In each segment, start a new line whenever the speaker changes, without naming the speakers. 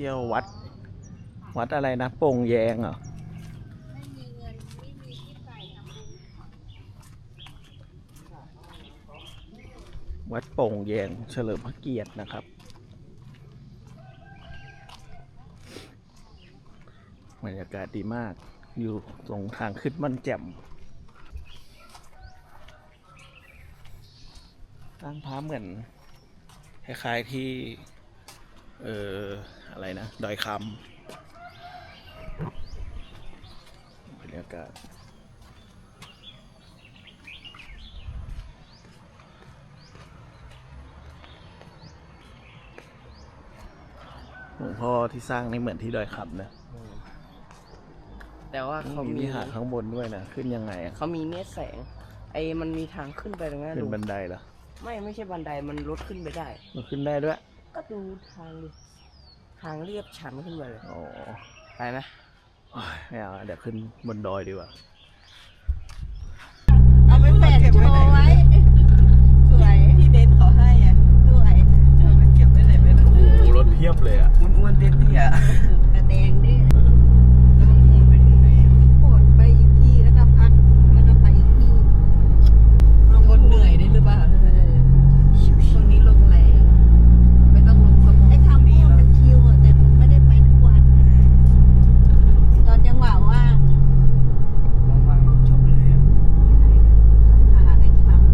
ที่ยววัดอะไรนะโป่งแยงเหรอ
ไม่มีเงินไม่มีที่ใส่ทำบุญ
วัดโป่งแยงเฉลิมพระเกียรตินะครับบรรยากาศดีมากอยู่ตรงทางขึ้นม่อนแจ่มตั้งพระเหมือนคล้ายๆที่อะไรนะดอยคำบรรยากาศหลวงพ่อที่สร้างนี่เหมือนที่ดอยคำนะ
แต่ว่าเขามี
วิหารข้างบนด้วยนะขึ้นยังไงอ่ะ
เขามีเนตแสงมันมีทางขึ้นไปตรงนั้น
ขึ้นบันไดเหรอ
ไม่ใช่บันไดมันลดขึ้นไปได้
มันขึ้นได้ด้วย
ก็ดูทางดิทางเรียบชันขึ้นไปเลย
อ๋อ
ไปไหม
ไม่เอาเดี๋ยวขึ้นบนดอยดีกว่า
เอาไปแปะโชว์ไว้สวยพี่เบนเขาให้อ่ะสวยเก็บไว้ไหนไม่รู้
โอ้โหรถเพียบเลยอ่ะ
อ้วนๆเตี้ย
ๆกระแดงดิแล้วมันโหนไปถึงไหนโหนไปอีกที่แล้วก็พักแล้วก็ไปอีกที่ลงคนเหนื่อยได้หรือเปล่าช่วงนี้ลงแรงไม่ต้องลงสมองไอ้ทำพวกมันชิวอ่ะแต่ไม่ได้ไปทุกวันตอนจังหวะว่าง
ว่างๆจบเลย
หาอะไรทำ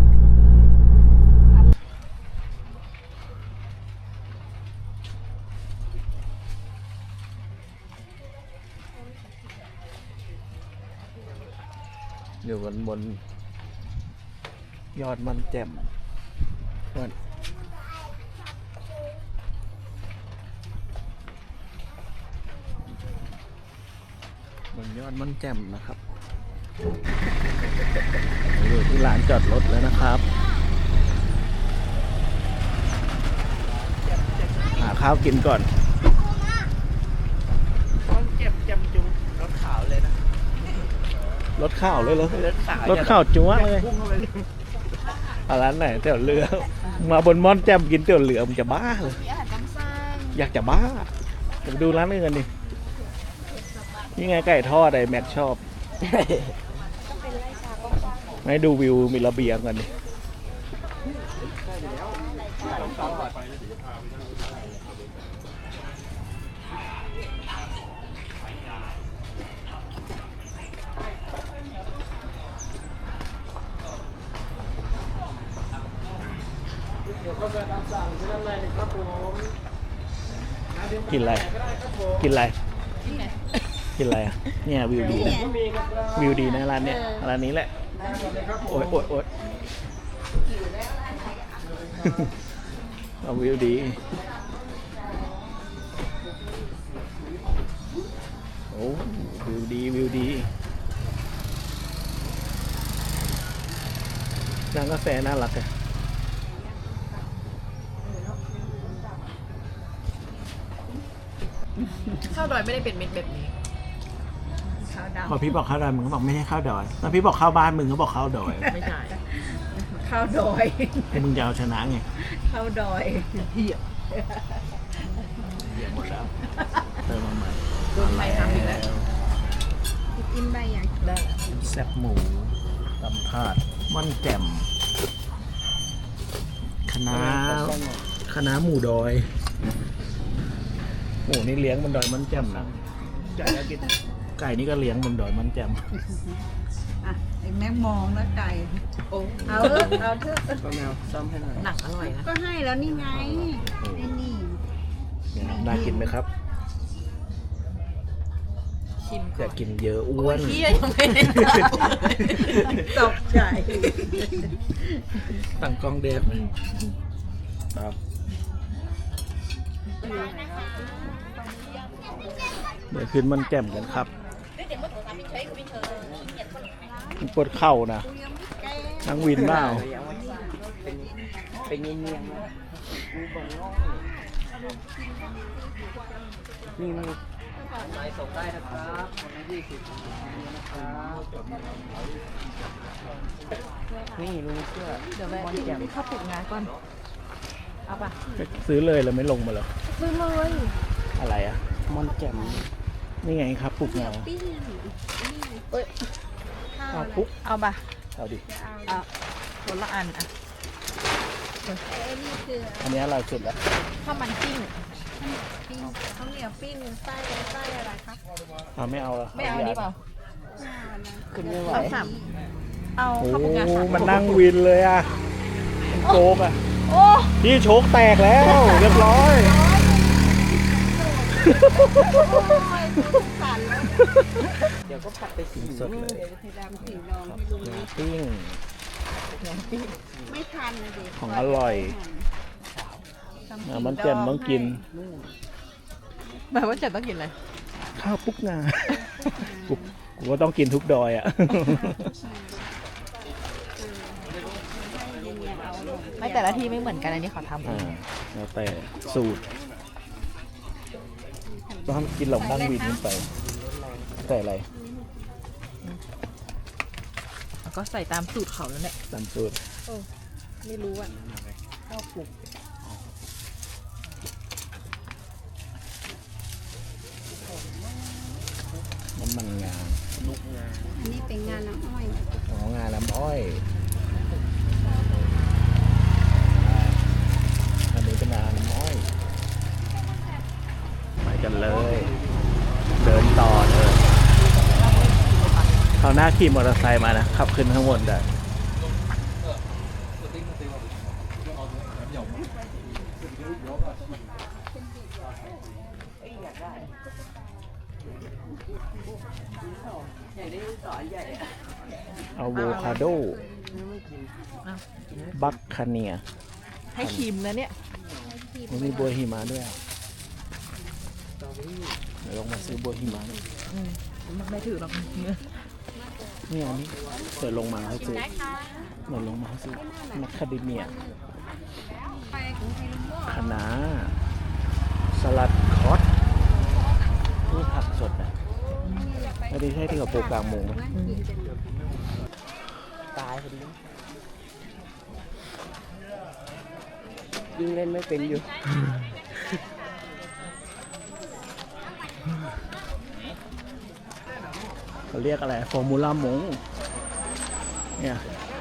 อยู่บนยอดมันแจ่มบนยอดมันแจ่มนะครับอยู่ที่ลานจอดรถแล้วนะครับหาข้าวกินก่อน
มันเจ็บจำจุงรถขาวเลยนะ
รถข้าวเลยเหรอ
รถขาว
จั๊วเลยร้านไหนเตี๋ยวเรือมาบนม่อนแจ่มกินเตี๋ยวเรือมันจะบ้าเลยอยากจะบ้าไปดูร้านอื่นดินี่ไงไก่ทอดไอ้แม็กชอบให้ดูวิวมีระเบียงกันดิกินอะไรกินอะไรกินอะไรอ่ะเนี่ยวิวดีนะวิวดีนะร้านเนี้ยร้านนี้แหละโอ๊ยเอาวิวดีโอ้วิวดีร้านกาแฟน่ารักอะ
ข้าวดอยไม่ได้เป็นเม็ดแบบนี้ข้าวดำ
พอพี่บอกข้าวดอยมึงก็บอกไม่ใช่ข้าวดอยแล้วพี่บอกข้าวบ้านมึงก็บอกข้าวดอย
ไม่ใช่ข้าวดอย
มึงจะเอาชนะไง
ข้าวดอยเหี้ย
หมดแล้วเติมมาใหม่
โดนไฟทำอีกแล้ว
กินใบอย่าง
ได้
แซ่บหมูตำถาดม่อนแจ่มคณะหมูดอยหมูนี่เลี้ยงบนดอยมันแจ่มนะไก่นี่ก็เลี้ยงบนดอยมันแจ่ม
อ่ะไอ้แม่มองแล้วไก่โอ้เอาเถอะ
ก็แมวซ่อมให้หน่อย
หนักอร่อยนะ
ก็ให้แล้วนี่ไงนี่
น่ากินไหมครับ
ชิม
อยากกินเยอะอ้วน
เฮียยังไม่ได้
ตกใจ
ตั้งกล้องเดฟครับเดี๋ยวขึ้นมันแจ่มกันครับปวดเข่านะนั่งวินเปล่า
เป็นเงียบๆนะนี่มันไปส่งได้นะครับคนละ20นะครับนี่ลุงเสื้อ
เดี๋ยวแม่ข้าวปลุกงานก่อนเอาป่ะ
ซื้อเลยแล้วไม่ลงมาหรอ
ซื้อเลย
อะไรอ่ะ
มอนแจ่ม
นี่ไงครับปุกงา
ปิ้ง
เอาปุก
เอาปะ
เอาดิ
เอาคนละอันอ่ะ
ไอ้นี่คือ
อันนี้อร่อยสุดแล้ว
ข้าวมันปิ้ง
ปิ้งข้าวเหนียวปิ้งไส้อะไรคะ
เอาไม่เอาละ
ไม่เอาอันนี้เปล่า
ขึ้นไม่ไหว
เอาสามเอา
โอ้
ข้าวปุกงาสาม
มันนั่งวินเลยอ่ะมันโกงอ่ะ
โอ้
พี่โชคแตกแล้ว เรียบร้อย
สั่นแล้ว
เดี๋ยวก็ผัดไปสี
สดเลย
เดี๋ยวจะดำสีดองให้ลุง
งาปิ้ง
ไม่ทันนะเด็ก
ของอร่อยมันแจ่มต้องกิน
หมายว่าจะต้องกินอะไร
ข้าวปุกงากูก็ต้องกินทุกดอยอ่ะ
ไม่แต่ละที่ไม่เหมือนกันอันนี้เขาทำ
อ่าแล้วแต่สูตรต้องกินหลงนั่งวินขึ้นไป แต่อะไร
แล้วก็ใส่ตามสูตรเขาแล้วแหละ
ตามสูตร
ไม่รู้อ่ะข้าวปลุก
น้ำมันงา
อันนี้เป็นงานน้ำอ้อย
อ๋องาน้ำอ้อย อันนี้เป็นงาน้ำอ้อยไปกันเลย เดินต่อเลยเขาวหน้าขี่มอเตอร์ไซค์มานะขับขึ้นข้างบนได้อะโวคาโด บัคคาเนีย
ให้ครีมนะเนี่ย
มันมีบัวหิมะด้วยอ่ะเดี๋ยวลองมาซื้อบัวหิมะนี่
ไม่ถือหรอก
นี่อันนี้เดี๋ยวลงมาเขาซื้อเดี๋ยวลงมาเขาซื้อมัคคาเดเมีย
ไปของไทยลุงโม่
คะน้าสลัดคอสนี่ผักสดนะไม่ได้ใช่ที่เขาปลูกกลางมุงไหม
ตายพอดียิงเล่นไม่เป็นอยู่
เขาเรียกอะไรฟอร์มูล่ามงเนี่ย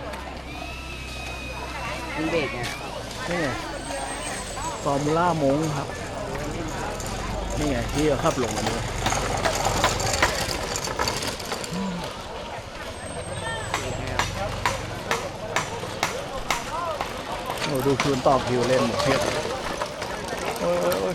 ยิงเบรกไง
นี่ไงฟอร์มูล่ามงครับนี่ไงที่เขาขับลงมาด้วยโอ้ดูคืนต่อคิวเล่นเพียบโอ้ย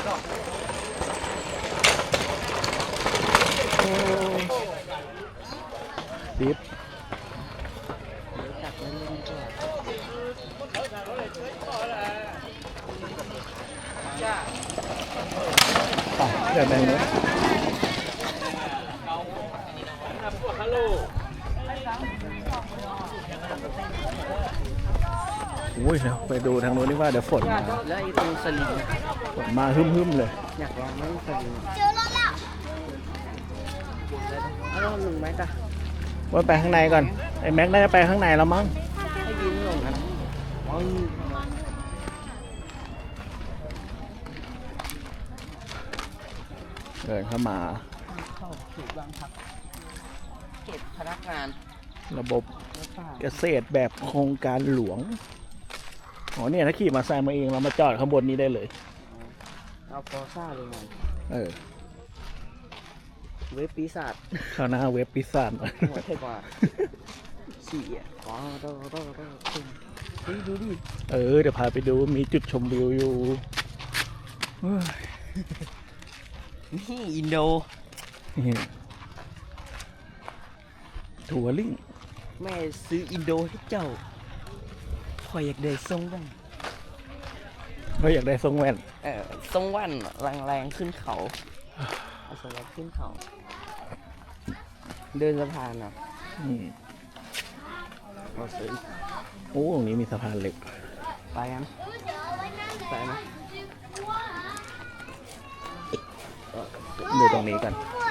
ดิฟ
จับเล่นเล่นก่อน
เดี๋ยวแบ่งเลยอุ้ยเดี๋ยวไปดูทางโน้นนี่ว่าเดี๋ยวฝนมา
แล้วไอ้ตรงสลิงอะ
ฝนมาหึ่มๆเลย
อยากลองไหมสลิงเจอรถแล้วเอาลองหนึ่งไหมจ๊ะ
ว่าไปข้างในก่อน ไอ้แม็กน่าจะไปข้างในแล้วมั้ง
ให้ยืนลงนะอ๋อ
เดินเข้ามา
เข้าถูกวางพักเก็บพนักงาน
ระบบ
แล้วป่า
เกษตรแบบโครงการหลวง อ๋อเนี่ยถ้าขี่มาใส่มาเองเรามาจอดข้างบนนี้ได้เลย
เอาฟอร์ซ่าเลยไง
เออ
เว็บปีศาจ
ข้างหน้าเว็บพิซซ่าหน่อย
หัวเท่กว่าขี่อ่ะอ๋อต้องเฮ้ยดูดิ
เออเดี๋ยวพาไปดูมีจุดชมวิวอยู่เฮ้ย
นี่อินโด
ทัวริ่ง
แม่ซื้ออินโดให้เจ้าคอยอยากได้ทรงบ้าง
เขาอยากได้ทรงแว่น
ทรงแว่นแรงๆขึ้นเขาเอาสลับขึ้นเขา เดินสะพานอ่ะ
อืม
เราซื้อ
โอ้ตรงนี้มีสะพานเหล็ก
ไปกันไปไหม
ดูตรงนี้กัน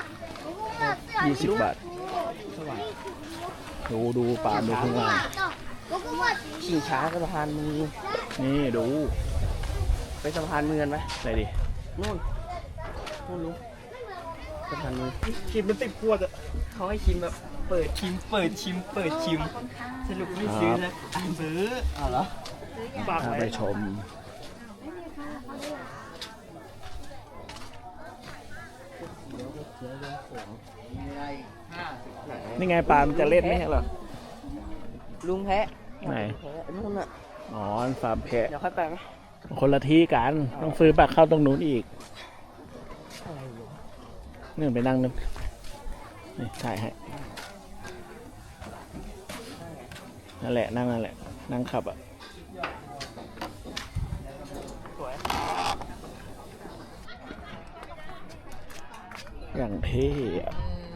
20 บาท
สว่าง
ดูปลาดูข้างล่าง
ชิงช้ากับสะพานมือ
นี่ดู
ไปสะพานมือกันไหม
ไหนดิ
นู่นไม่รู้สะพานนู้น
กินเป็น10 ขวดอะ
เขาให้ชิมแบบเปิดชิมเปิดชิมเปิดชิมสรุปไม่ซื้อนะซื้ออ๋อเหรอ
ฝาก
Dạ,
ไปชม นี่ไงปลามันจะเล่นไหมเหรอ
ลุงแพะ
ไหน
แพะนู่นอ่ะ
อ๋ออันฟาร์มแพะ
เดี๋ยวค่อยไปไหม
คนละที่กัน ต้องซื้อบัตรเข้าตรงนู้นอีก
อะไรอยู่
นี่ไปนั่งนึงนี่ถ่ายให้ นั่นแหละ นั่งนั่นแหละ นั่งขับอ่ะ
สวย
อย่างเท่อะ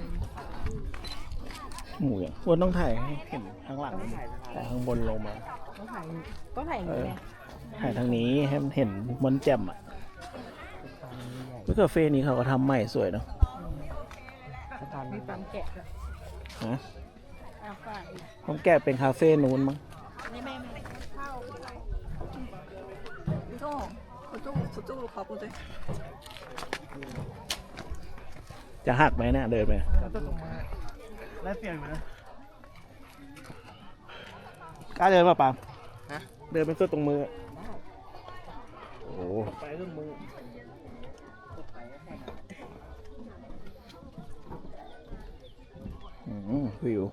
หมูอย่างอ้วนต้องถ่ายให้เห็นข้างหลังแต่ข้างบนลงมา
ต้องถ่ายอย่าง
เอ
นี้
อ
ไง
ถ่ายทางนี้ให้มันเห็นมอนแจ่มอ่ะวิคาเฟ่นี้เขาก็ทำใหม่สวยเนาะ
สะพาน
มีความแกะด้วย
ฮะ
เอาฝาก
ผมแก้เป็นคาเฟ่นู้นมั้ง
ไม่เข้าโจ้โจ้ขอบคุณด้วย
จะหักไหมเนี่ยเดินไป
ได้เปลี่ยนไหมนะ
กล้าเดินป่ะปาม
ฮะ
เดินเป็นสุดตรงมือโอ้โห
ไปเรื่องมือ
วิว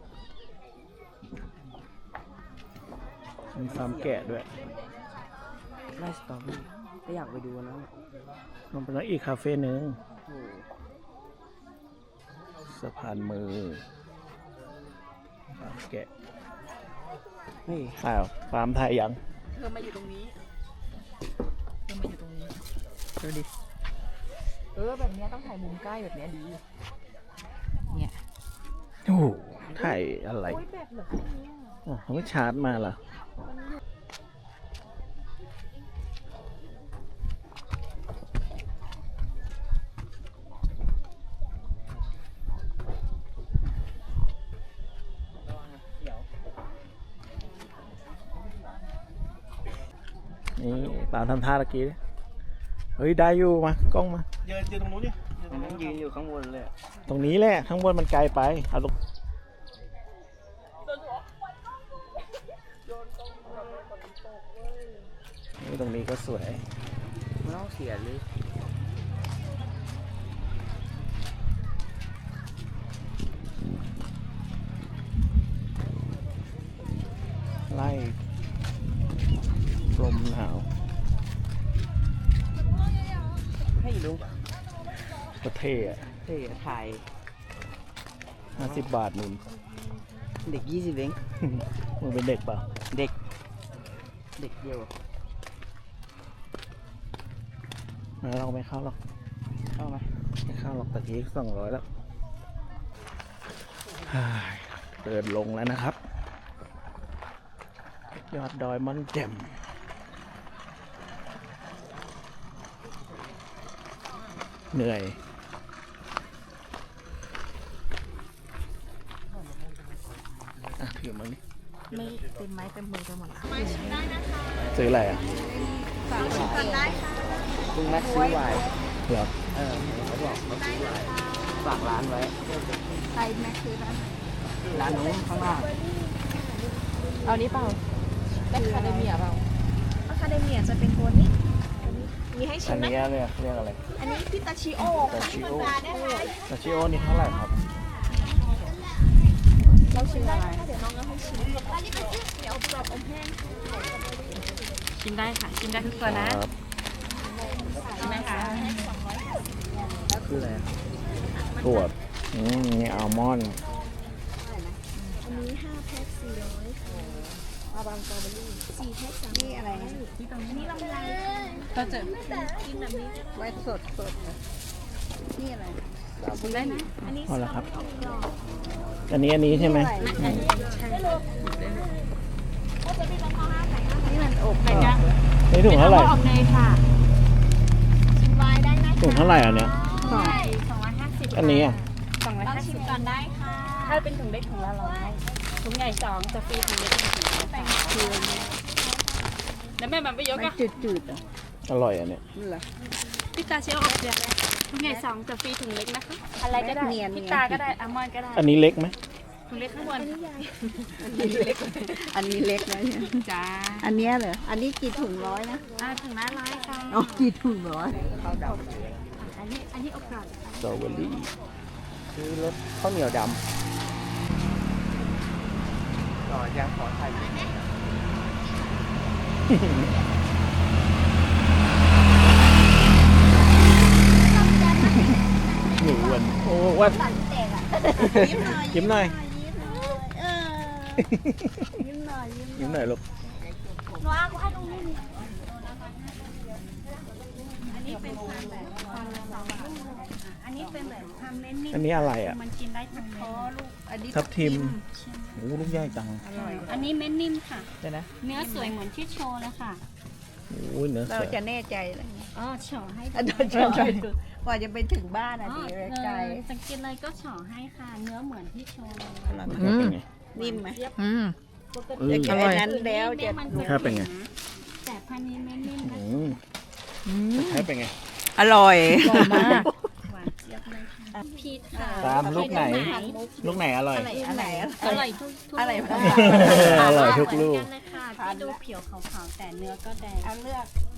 มีฟาร์มแกะด้วย
ไล่สตอรี่ก็อยากไปดูนะ
มันเป็นอีกคาเฟ่หนึ่ง
โอ้โห
สะพานมือฟาร์มแกะ
นี่
อ้าวฟาร์มไทยยัง
เธอมาอยู่ตรงนี้เธอมาอยู่ตรงนี้
ดูดิ
แบบเนี้ยต้องถ่ายมุมใกล้แบบเนี้ยดี เนี่ย
โอ้โหถ่ายอะไร
โอ้ยแบบเหลือแค่เนี้ย
อ๋อเขาไม่ชาร์จมาเหรอนี่ปาล์มทำท่าตะกี้ดิเฮ้ย ได้อยู่มากล้องมา
ยืนตรงนู้นดิยืนอยู่ข้างบนเลย
ตรงนี้แหละ ข้างบนมันไกลไป เอาตรงนี่ตรงนี้ก็สวย
ไม่ต้องเสียเลย
ไล่ลมหนาว
ให้ลุง
ก็เท่อะ
เฮ้ยถ่าย
50 บาทนุ่น
เด็ก20เอง
มึงเป็นเด็กเปล่า
เด็กเดียว
เราไม่เข้าหรอก
เข้าไหม
ไม่เข้าหรอกตะกี้200แล้วฮ่าเดินลงแล้วนะครับ ยอดดอยม่อนแจ่มเหนื่อย อ่ะถือมาดิ
ไม่เต็มไม้เต็มมือไปหมดละ
ซื้ออะไรอ่ะ
ฝากชิมกันได้ค่ะ
ลุงแม็กซ์ซื้อไวน์
เหรอ
เขาบอกเขาซื้อไวน์ฝากร้านไว้
ใครแม็กซื้อร้านไหน
ร้านนู้นข้างล่าง
เอานี้เปล่าแม็กคาเดเมียเปล่าอะคาเดเมียจะเป็นตัวนี้ มีให้ชิ
อั
ม
น
ไหม
นี้เรียกอะไร
อันนี้พิตาชิโอ
ตา
ค่ะ
ชิโอตาชิโอนี่เท่าไหร่ครับ
เราชิมอะไรเดี๋ยวน้องเอาให้ชิมอันนี้เป็นเดี๋ยวกรอบอมแห้งชิมได้ค่ะ ชิมได้ทุกตัวนะครับ ชิมไหมคะ
คืออะไร
ถั่วนี่อัลมอนด์
อันนี้5แพ็ค400ค่ะอาบางสตรอเบอรี่4แพ็ค3นี่อะไรนะนี่ลำไย
ก็จะ
กินแบบนี้ก็ได้
ไว้สดสด
นี่อะไร
ชิมได้นะ
อันนี้
เอาละครับ
กรอบ
อันนี้ใช่ไหม
นี่มันอบ
ไหนจ๊ะ
นี่ถุงเท่าไหร่
ออกเนยค่ะ
ชิมไวน์ได้นะ
ถุงเท่าไหร่อันเนี้ย
ใช่250
อันนี้อ่ะ
ลองชิมก่อนได้ค่ะ
ถ้าเป็นถุงเล็กถุงละ100ถุงใหญ่2จะฟรีถุงเล็ก1ถุงคือแล้วแม่มันไปยกอ่ะ
จืดๆอ่ะ
อร่อยอันเนี้ย
นี่แหละ
พี่ตาเชียวออกเสียถุงใหญ่2แต่ฟรีถุงเล็กนะคะ อะไรก็ได้
เนียน
พี่ตาก็ได้อัลมอนด์ก็ได้
อันนี้เล็กไหม
ถุงเล็กข้างบน
อันนี้เล็กนะเนี่ย
จ้า
อันเนี้ยเหรอ อันนี้กี่ถุงร้อยนะ
ถุงละ100ค่ะ
อ๋อกี่ถุงร้อย
อันนี้โอกาส
สตรอเบอรี่ซื้อรสข้าวเหนียวด
ต่อยังขอถ่าย
ำหนูอ้วนโอ้อ้วน
ยิ้มหน่อย
ยิ้มหน่อย
เออยิ้มหน่อยยิ้ม
ยิ้มหน่อยลูก
หนูเอาให้ตรงนี้นี่อันนี้เป็นพันแบบพันละ2อันนี้เป็นแบบทำเล่นนิ่ม
อันนี้อะไรอ่ะ
มันกินได้ทั้งเม็ด
ลูกอันนี้
ทับทิมโอ้ลูกใหญ่จัง
อร่อย
อันนี้เม็ดนิ่มค่ะ
ใช่นะ
เนื้อสวยเหมือนที่โชว์เลยค่ะ
โอ้ยเนื้อ
เรา
สวย
จะแน่ใจเลย
อ๋อเฉาะให้
อันนั้นจะกว่าจะไปถึงบ้านอ่ะดีไกล
สังเกตเลยก็เฉาะให้ค่ะ เนื้อเหมือนที่โชว์เลย
เป็นไง
นิ่มไหม
เออ
จะกินอันนั้นแล้วจะ
มัน
รสชาติเป็นไง
แต่พันนี้ไม่นิ่มนะ
ใช้เป็นไง
อร่อย
หวานเจี๊ยบเลยค่ะพีชค่ะ
ตามลูกไหน ลูกไหนอร่อย
อันไหน
อร่อยทุก
อะไร
ลูก
บ้าง
อร่อยทุกลูก
เหมือนนเลยค่ะที่ดูเผิวขาวๆแต่เนื้อก็แดง
เอาเลือก